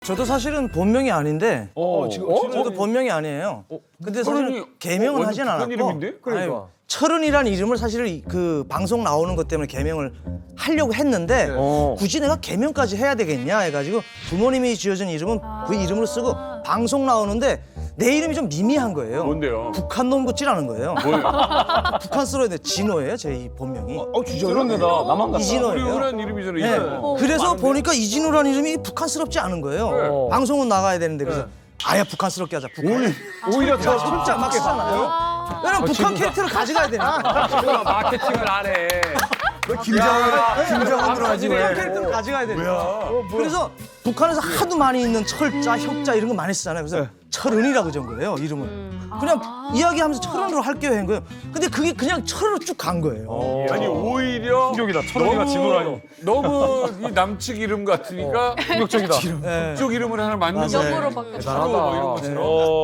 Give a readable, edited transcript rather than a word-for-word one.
저도 사실은 본명이 아닌데 저도 본명이 아니에요. 근데 사실 철은이 개명은 하진 북한 않았고 이름인데? 아니, 철은이라는 이름을 사실 그 방송 나오는 것 때문에 개명을 하려고 했는데 굳이 내가 개명까지 해야 되겠냐 해가지고 부모님이 지어준 이름은 그 이름으로 쓰고 방송 나오는데 내 이름이 좀 미미한 거예요. 뭔데요? 북한 놈 같지라는 거예요. 뭐예요? 북한스러운데 진호예요, 제 이 본명이. 진짜 그런데 나 나만 같다. 이진호예요. 우리흔한 이름이잖아. 네. 이거. 그래서 보니까 이진호라는 이름이 북한스럽지 않은 거예요. 방송은 나가야 되는데 그래서 아예 북한스럽게 하자. 북한. 오히려 더 진짜 막 쓰잖아요. 왜냐면 북한 캐릭터를 가져가야 되나? 마케팅을 안 해. 김정은으로 하지 북한 캐릭터를 가져가야 되나? 그래서 북한에서 하도 많이 있는 철자, 혁자 이런 거 많이 쓰잖아요. 그래서 철은이라고 전 거예요, 이름을. 그냥 이야기하면서 철은으로 할게요 한 거예요. 근데 그게 그냥 철으로 쭉 간 거예요. 아니 오히려 충격이다. 철은이가 진호라니. 너무 이 남측 이름 같으니까 충격적이다. 네. 북쪽 이름을 하나 만든 맞아요. 거예요. 영어로 바뀌었어. 철호 뭐 이런 것처럼.